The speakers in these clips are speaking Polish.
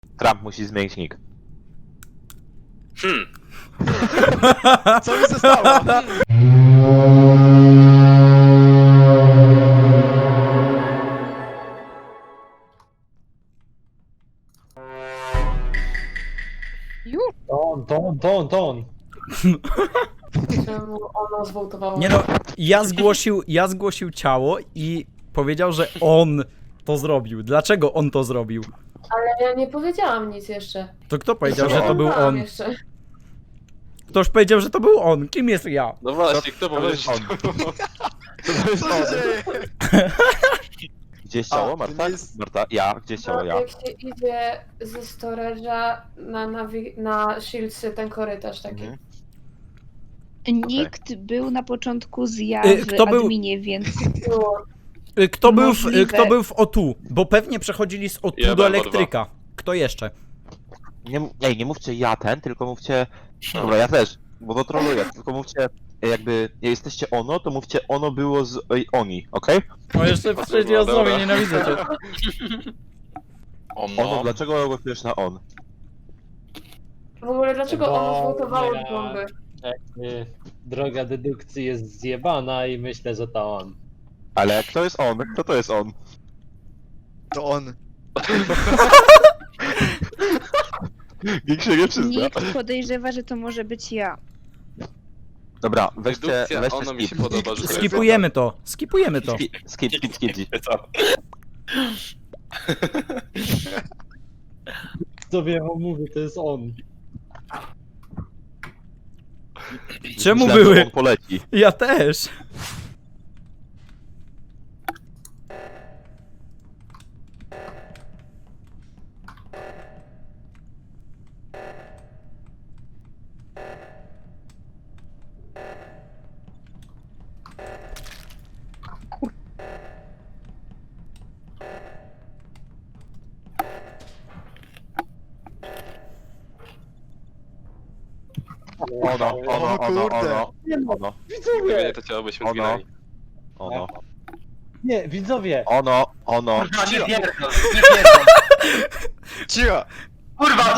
Trump musi zmienić nick. Co mi się stało? To on. Czemu ona zwołtowała? Nie no, ja zgłosił ciało i powiedział, że on to zrobił. Dlaczego on to zrobił? Ale ja nie powiedziałam nic jeszcze. To kto powiedział, że to Nie był mówiłam on? Jeszcze. Ktoś powiedział, że to był on. Kim jest ja? No właśnie, kto powiedział, jest że on? Co się dzieje? Gdzie jest ciało, A, to Marta? nie jest- Marta, ja? Gdzie jest ciało, ja? Jak się idzie ze storage'a na Shieldsy, ten korytarz taki. Mhm. Nikt był na początku z ja Kto w był- adminie, więc Było. Możliwe. Kto był w O2? Bo pewnie przechodzili z O2 Ja do byłem w O2. elektryka. Kto jeszcze? Nie mówcie ja ten, tylko mówcie... Dobra, ja też, bo to troluję, tylko mówcie... Jakby jesteście ono, to mówcie ono było z oni, okej? O, jeszcze w trzeciej Dobra. osobie, nienawidzę cię. Ono, dlaczego głosujesz na on? W ogóle dlaczego Bo ona zwołtowała ja- bomby? Droga dedukcji jest zjebana i myślę, że to on. Ale kto jest on? Kto to jest on? To on. Nikt się nie przyzna. nikt podejrzewa, że to może być ja. Dobra, weźcie Dedukcja, ono mi się skip. podoba, że to jest Skipujemy to. Skipujemy to. Skip. Co wiem, on mówi, to jest on. Czemu Myślałem, że były? on poleci. Ja też. Ono. Gdyby to ciało byśmy Ono. zginęli. Ono. Nie, widzowie! Ono. Kurwa, nie pierdol, nie pierdol. Cicho! Kurwa,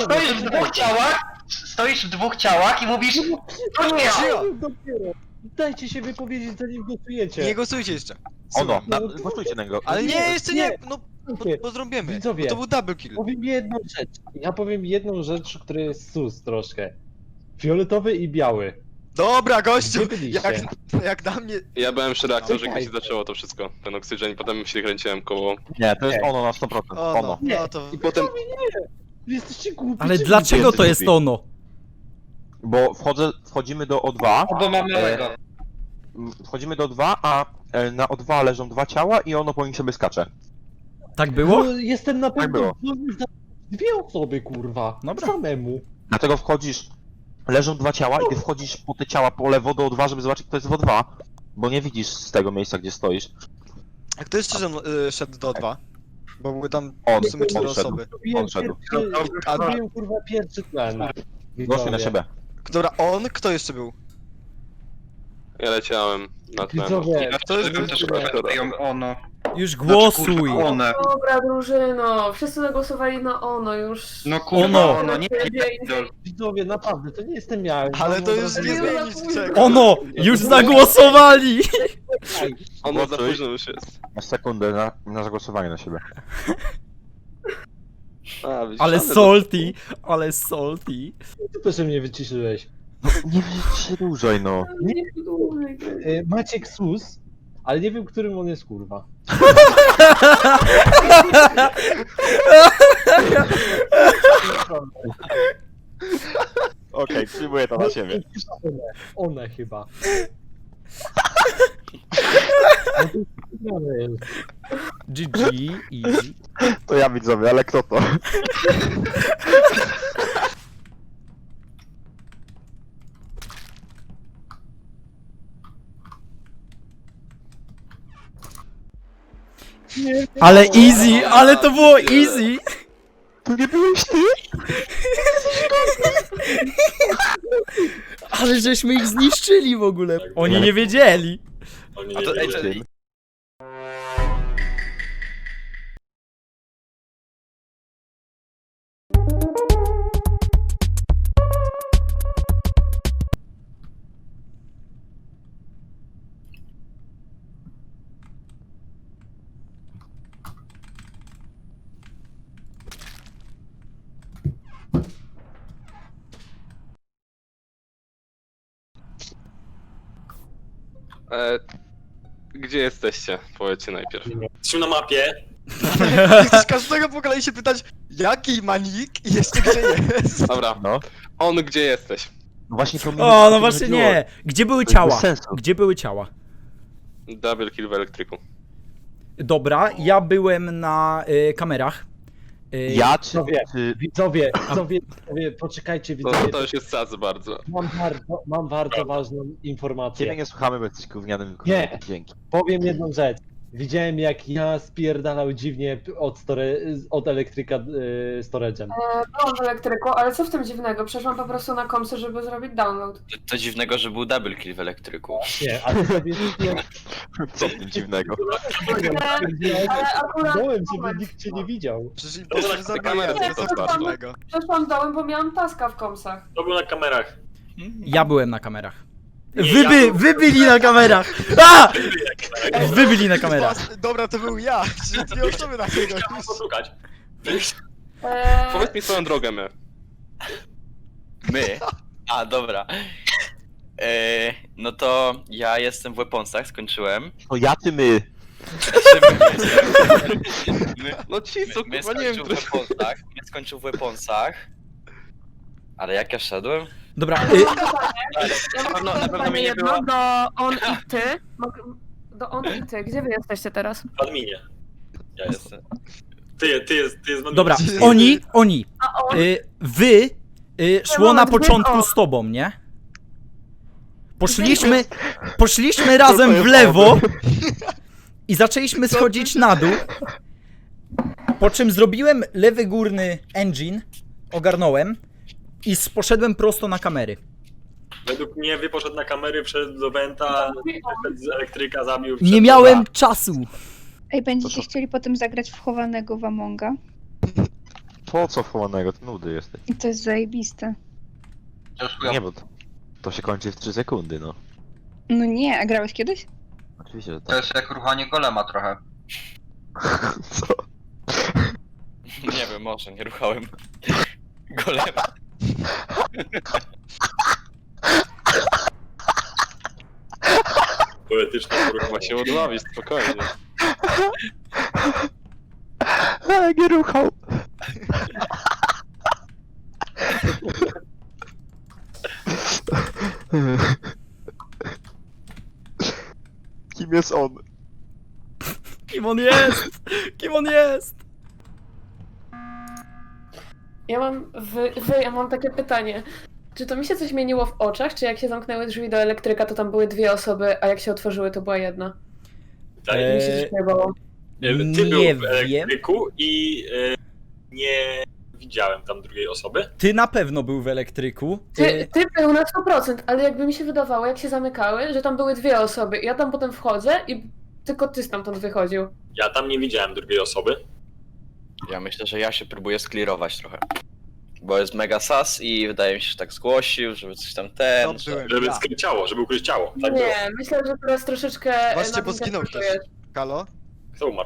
stoisz w dwóch ciałach i mówisz, to nie ja. Cicho! Dopiero. Dajcie się wypowiedzieć, zanim głosujecie. Nie głosujcie jeszcze. Ono. Głosujcie na niego. Ale nie, jeszcze nie! No, Słuchajcie, bo zrobimy. Widzowie. Bo to był double kill. Powiem jedną rzecz. Ja powiem jedną rzecz, która jest sus troszkę. Fioletowy i biały. Dobra, gościu! Gdzie byliście? Jak na mnie... Ja byłem przy reaktorze, Czekaj. gdzie się zaczęło to wszystko. Ten oksygen i potem się kręciłem koło... Nie, to jest ono na 100%. O, Ono. no to... I potem... Wy jesteście głupi. Ale czy dlaczego ludzie? to jest ono? Bo wchodzimy do O2. Bo mamy Lego. Wchodzimy do O2, a na O2 leżą dwa ciała i ono po nich sobie skacze. Tak było? No, jestem na pewno było. za dwie osoby, kurwa. Dobra. Samemu. Dlatego wchodzisz, leżą dwa ciała i ty wchodzisz po te ciała po lewo do O2, żeby zobaczyć kto jest w O2. Bo nie widzisz z tego miejsca, gdzie stoisz. A kto jeszcze szedł do 2? Bo były tam On, w sumie 4 on szedł. osoby. On szedł. A Zrobiłem kurwa pierwszy plan. Głosuj na siebie. dobra, on? Kto jeszcze był? Ja leciałem na tle. Widzowie, To jest Bym też ją ono. Już głosuj. One. Dobra, drużyno, wszyscy zagłosowali na ono już. No kurwa, Ono. ono, nie pierdol. widzowie, naprawdę, to nie jestem ja. Ale Mam to już wrażenie, nie że- zmienisz czego. Ono! Już zagłosowali! Ono za Głosuj. późno już jest. Masz sekundę na zagłosowanie na siebie. A, widzisz, Ale salty, ale salty. Ty też mnie wyciszyłeś. Nie przedłużaj no. Nie dłużej. Maciek Sus, ale nie wiem, którym on jest, kurwa. Okej, przyjmuję to na siebie. Ona chyba. No to jest wygrane jest. GG, easy. To ja widzowie, ale kto to? Ale easy, ale to było easy! To nie byłeś ty? Ale żeśmy ich zniszczyli w ogóle. Oni nie wiedzieli. A to, ej, Tym. Gdzie jesteście? Powiedzcie najpierw. Jesteśmy na mapie. Nie chcesz każdego po kolei się pytać, jaki ma nick i jeszcze gdzie jest. Dobra, No. on gdzie jesteś? No właśnie to mi O, mi no właśnie chodziło. nie. Gdzie były To jest ciała? bez sensu. Gdzie były ciała? Double kill w elektryku. Dobra, ja byłem na kamerach. Ja czy... Widzowie, poczekajcie, To widzowie. już jest sac bardzo. Mam bardzo ważną informację. Ciebie nie słuchamy, bo jesteś gównianym Nie. Dzięki. Powiem jedną rzecz. Widziałem jak ja spierdalał dziwnie od elektryka storage'em. Byłam w elektryku, ale co w tym dziwnego? Przeszłam po prostu na komsy, żeby zrobić download. To dziwnego, że był double kill w elektryku. Nie, ale sobie Co w tym dziwnego? Ale akurat dołem, żeby nikt cię nie widział. Przecież impostor zabija, kamera co to to bardzo. dziwnego. przeszłam dołem, bo miałam taska w komsach. To był na kamerach. Ja byłem na kamerach. Nie, Wy byli na kamerach! A! Wy byli na kamerach. Dobra, to był ja, czyli dwie osoby na tego. Chciałem poszukać. Powiedz mi swoją drogę, my. My? A, dobra. No to ja jestem w Weaponsach, skończyłem. To ja czy my? No ci co, My kurwa, nie wiem, skończył w Weaponsach. My skończył w Weaponsach. Ale jak ja szedłem? Dobra, Na pewno mnie nie było. Do on i ty. Do on i ty. Gdzie wy jesteście teraz? W adminie. Ja jestem. Ty jest w adminie. dobra, Gdzie oni. A on? Wy szło na moment, początku gdzie z tobą, nie? Poszliśmy razem w lewo i zaczęliśmy schodzić na dół. Po czym zrobiłem lewy górny engine, ogarnąłem i poszedłem prosto na kamery. Według mnie poszedł na kamery, wszedł do Venta, wszedł z elektryka, zabił. Nie wszedł miałem do- czasu. Ej, będziecie chcieli potem zagrać w chowanego w Amonga? Po co wchowanego? To nudy jesteś. I to jest zajebiste. Nie, bo to się kończy w 3 sekundy, no. No nie, a grałeś kiedyś? Oczywiście, że To tak. jest jak ruchanie golema trochę. Co? Nie wiem, może nie ruchałem golema. Poetyczna Ma się odławić, spokojnie. Ale nie ruchał. Kim jest on? Kim on jest? Kim on jest? Ja mam takie pytanie. Czy to mi się coś zmieniło w oczach? Czy jak się zamknęły drzwi do elektryka, to tam były dwie osoby, a jak się otworzyły, to była jedna? Mi się coś pojebało. Ty był nie w wiem. elektryku i nie widziałem tam drugiej osoby. Ty na pewno był w elektryku. Ty był na 100%, ale jakby mi się wydawało, jak się zamykały, że tam były dwie osoby. Ja tam potem wchodzę i tylko ty stamtąd wychodził. Ja tam nie widziałem drugiej osoby. Ja myślę, że ja się próbuję sklirować trochę. Bo jest mega sas i wydaje mi się, że tak zgłosił, żeby coś tam To że... byłem Żeby ja. skryć ciało, żeby ukryć ciało. Tak było. Nie, myślę, że teraz troszeczkę... Właśnie, bo zginął nadinterpretujesz. Halo? Kto umarł?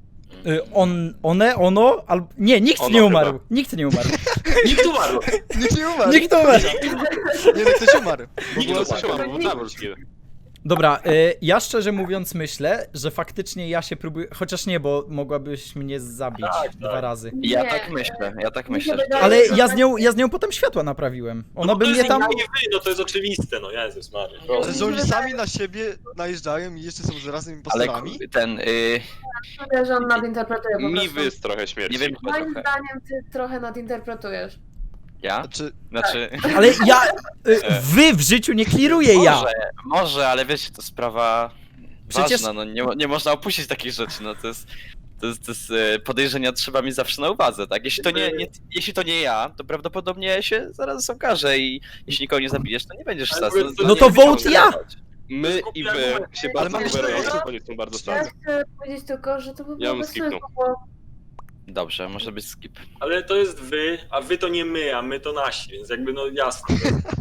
Ono, albo... Nie, nikt Ono nie umarł. chyba. Nikt nie umarł. Nikt umarł! Nikt nie umarł! Nikt nie umarł. Nie, no ktoś umarł. Nikt było nie tak. umarł, bo double kill. Dobra, ja szczerze mówiąc myślę, że faktycznie ja się próbuję... Chociaż nie, bo mogłabyś mnie zabić Tak, 2 tak. razy. Ja Nie. tak myślę, ja tak Mi się myślę. Że... wydaje, Ale że- ja z nią potem światła naprawiłem. Ona by to mnie jest tam... nie wy, no to jest oczywiste, no Jezus Maria. Że że oni sami na siebie najeżdżają i jeszcze są zarazem Ale impostorami? Myślę, że on nadinterpretuje po Mi prostu. wys trochę śmierci. Nie wiem, Moim trochę. zdaniem ty trochę nadinterpretujesz. Ja? Znaczy... Ale ja... Wy w życiu nie kliruję ja. Może, ale wiecie, to sprawa Przecież- ważna, no nie można opuścić takich rzeczy, no to jest podejrzenia trzeba mieć zawsze na uwadze, tak? Jeśli to nie ja, to prawdopodobnie się zaraz okaże i jeśli nikogo nie zabijesz, to nie będziesz Ale sas. no to vote ja! My i wy się Ale bardzo mamy sugerują, cztery. oni są bardzo Ja sas. chcę powiedzieć tylko, że to by Ja było bym bez skipnął. sensu, bo Dobrze, może być skip. Ale to jest wy, a wy to nie my, a my to nasi, więc jakby no jasne.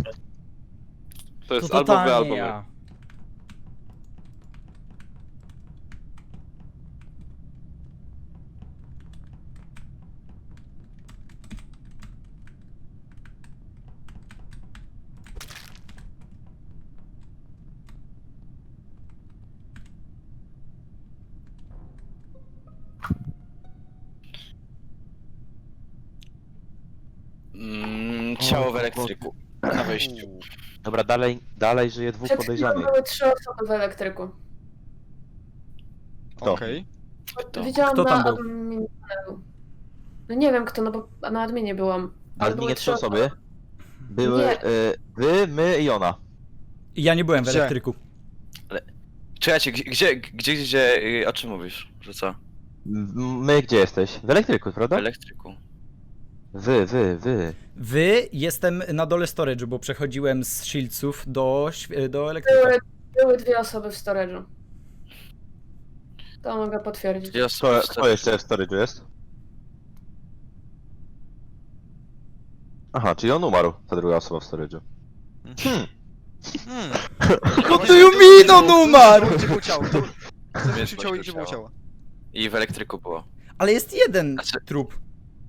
To jest To albo wy, totalnie albo my. ja. ciało w elektryku. Na wejściu. Dobra, dalej żyje dwóch Przed chwilą podejrzanych. były 3 osoby w elektryku. Kto? Okej. Widziałam Kto tam na był? adminie. No nie wiem kto, no bo na adminie byłam. Ale były nie 3 osoby. Były Nie. wy, my i ona. Ja nie byłem w Gdzie? elektryku. Czekajcie, gdzie, o czym mówisz? Że co? My gdzie jesteś? W elektryku, W prawda? elektryku. Wy, jestem na dole storage'u, bo przechodziłem z shieldsów do elektryka. Były 2 osoby w storage'u. To mogę potwierdzić. Dwie osoby Kto jeszcze w storage'u jest? Aha, czyli on umarł, ta druga osoba w storage'u. What do you mean on umarł? Gdzie było ciało? Wiesz, Gdzie ciało i gdzie było ciało? I w elektryku było. Ale jest jeden Znaczy- trup.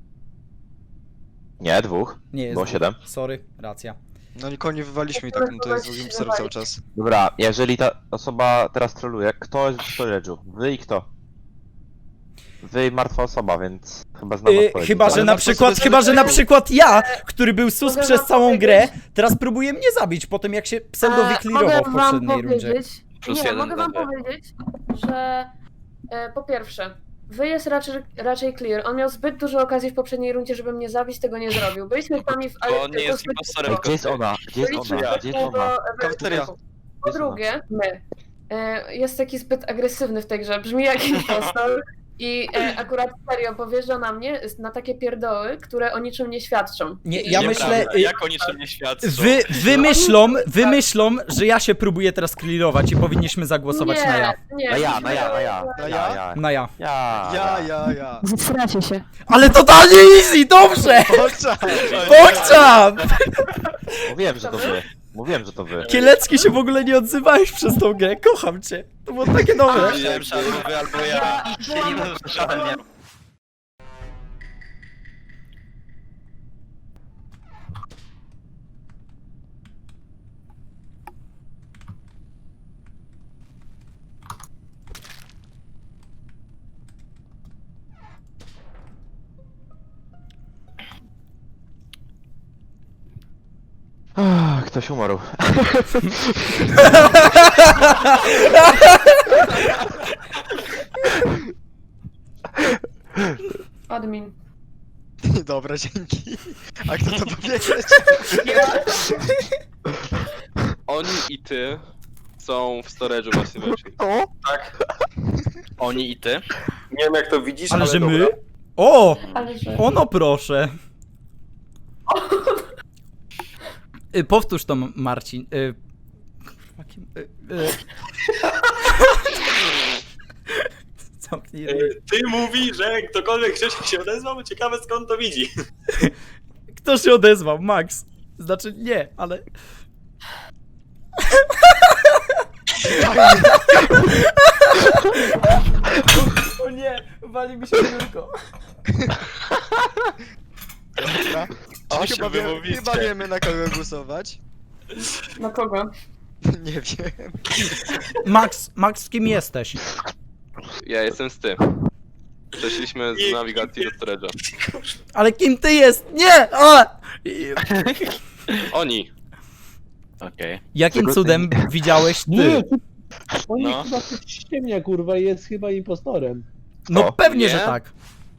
Nie, 2. Nie jest. Było 7. Sorry, racja. No nikogo nie wywaliśmy i tak, no to jest drugim serwer cały czas. Dobra, jeżeli ta osoba teraz troluje, kto jest w storage'u? Wy i kto? Wy i martwa osoba, więc chyba znam odpowiedź. Chyba, że Ale na Marcel przykład, sobie chyba, że na zadał- przykład ja, który był sus Mogę przez wam całą powiedzieć? grę, teraz próbuje mnie zabić po tym, jak się pseudo wyklirował w Mogę wam poprzedniej rundzie. powiedzieć, Plus nie, jeden mogę wam dla powiedzieć, że po pierwsze, wy jest raczej clear. On miał zbyt dużo okazji w poprzedniej rundzie, żeby mnie zabić, tego nie zrobił. Byliśmy sami w Bo on nie jest impostorem. Gdzie jest ona? Gdzie jest ona? Gdzie jest ona? Kafeteria. Po drugie, my. Jest taki zbyt agresywny w tej grze, brzmi jak impostor. I akurat serio powierza na mnie na takie pierdoły, które o niczym nie świadczą. Nie, ja myślę, Nieprawda, jak o niczym nie świadczą. wymyślą, że ja się próbuję teraz clearować i powinniśmy zagłosować na ja. Nie, Na ja. Na ja? Na ja. Ja. Zstracie się. Ale totalnie easy, dobrze! Bokczam! Mówiłem, że to wy. Mówiłem, że to wy. Kielecki się w ogóle nie odzywałeś przez tą grę, kocham cię. To było takie dobre. Myślałem, że albo wy, albo ja. Ktoś umarł. Admin. Dobra, dzięki. A kto to powiedzieć? Oni i ty są w storage'u właśnie weszli. Tak. Oni i ty? Nie wiem jak to widzisz, Ale że dobra. my? O! Ale że... Ono proszę. Powtórz to, Marcin. Zamknij ryj. Ty mówi, że ktokolwiek wcześniej się odezwał, bo ciekawe skąd to widzi. Kto się odezwał? Max. Znaczy nie, ale... O nie, wali mi się biurko. Dobra. O, Chyba, się wymówicie. chyba wiemy na kogo głosować. Na kogo? Nie wiem. Max, z kim jesteś? Ja jestem z tym. Przeszliśmy z nawigacji do storage'a. Ale kim ty jest? Nie! A! Oni. Okej. Jakim Czego cudem widziałeś ty? Nie, on No. chyba coś ściemnia, kurwa, i jest chyba impostorem. No Kto? pewnie, Nie? że tak.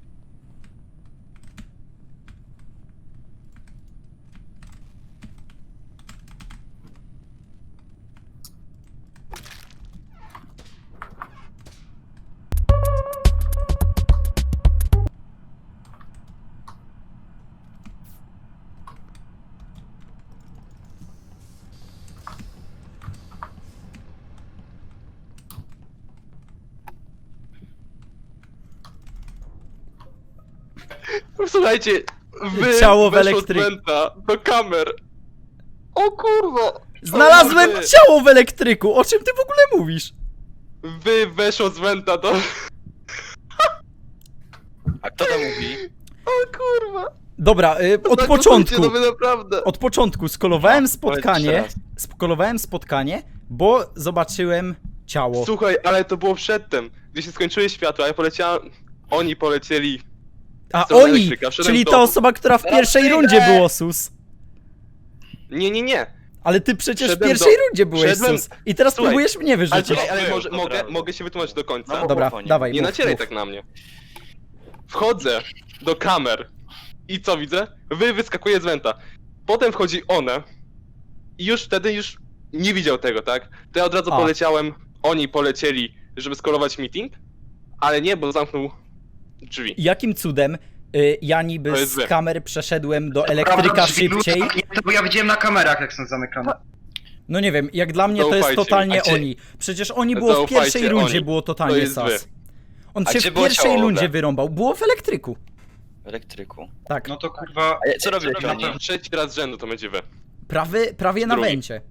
Słuchajcie, wy Ciało w weszło z elektryku. Wenta do kamer. O kurwa! Znalazłem Wy- ciało w elektryku. O czym ty w ogóle mówisz? Wy weszło z Wenta do... A kto to mówi? O kurwa! Dobra, od Zagłosujcie, początku. No wy naprawdę. Od początku skolowałem Powiedz spotkanie. jeszcze Skolowałem spotkanie, bo zobaczyłem ciało. Słuchaj, ale to było przedtem, gdy się skończyły światła, ja poleciałem... Oni polecieli... A stronę oni! elektryka, wszedłem Czyli w ta dom. osoba, która w pierwszej rundzie było sus. Nie. Ale ty przecież w Wszedłem pierwszej do- rundzie byłeś, wszedłem- sus. I teraz Słuchaj, próbujesz mnie Ale wyrzucić. czekaj, ale Był, może, od razu. mogę się wytłumaczyć do końca. No, Dobra, mów, dawaj, Nie mów, nacieraj mów. tak na mnie. Wchodzę do kamer i co widzę? Wyskakuje z wenta. Potem wchodzi one i już wtedy nie widział tego, tak? To ja od razu A. poleciałem, oni polecieli, żeby skorować meeting, ale nie, bo zamknął drzwi. Jakim cudem ja niby To jest z złe. kamer przeszedłem do elektryka szybciej? Bo ja widziałem na kamerach, jak są zamykane. No nie wiem, jak dla mnie to jest Zaufajcie mi. totalnie A gdzie- oni. Przecież oni było w Zaufajcie, pierwszej rundzie, oni. było To totalnie jest sas. wy. On A się gdzie w było pierwszej ciało rundzie Ole? wyrąbał. Było w elektryku. W elektryku. Tak. No to kurwa... A co robiłeś oni? Trzeci raz z rzędu to będzie wy. Prawie na Drugi. węcie.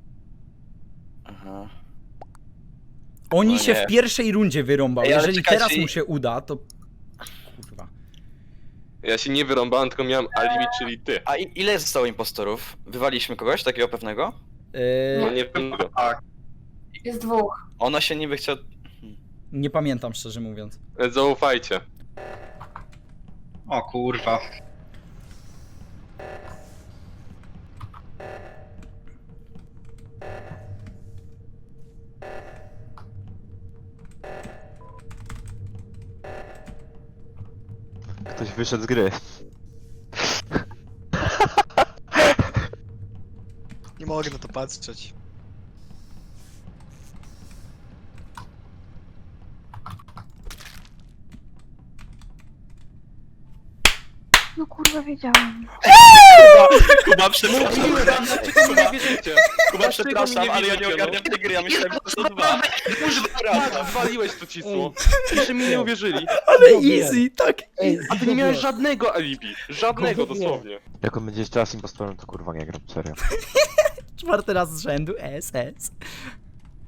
Aha. Oni No się nie. w pierwszej rundzie wyrąbał. Ej, ale Jeżeli czekajcie, teraz i- mu się uda, to... Kurwa. Ja się nie wyrąbałem, tylko miałem alibi, czyli ty. A ile zostało impostorów? Wywaliśmy kogoś takiego pewnego? No nie wiem tego. Tak. Jest dwóch. Ona się niby chciała... Nie pamiętam, szczerze mówiąc. Zaufajcie. O kurwa. Ktoś wyszedł z gry. Nie mogę na to patrzeć. No kurwa, wiedziałam. Kuba, przepraszam. Mówiłem wam, dlaczego mi nie wierzycie? Kuba, przepraszam, mnie ale ja nie wierzycie, ogarniam tej gry, ja myślałem, że to są dwa. Tak, waliłeś to cisło. Jeszcze mi nie uwierzyli. Ale Zrobiłem. easy, tak. Ej, A ty nie miałeś żadnego alibi. Żadnego Kurwa, nie. dosłownie. Jak on będzie jeszcze raz impostorem, to kurwa nie gram, serio. 4. raz z rzędu, SS.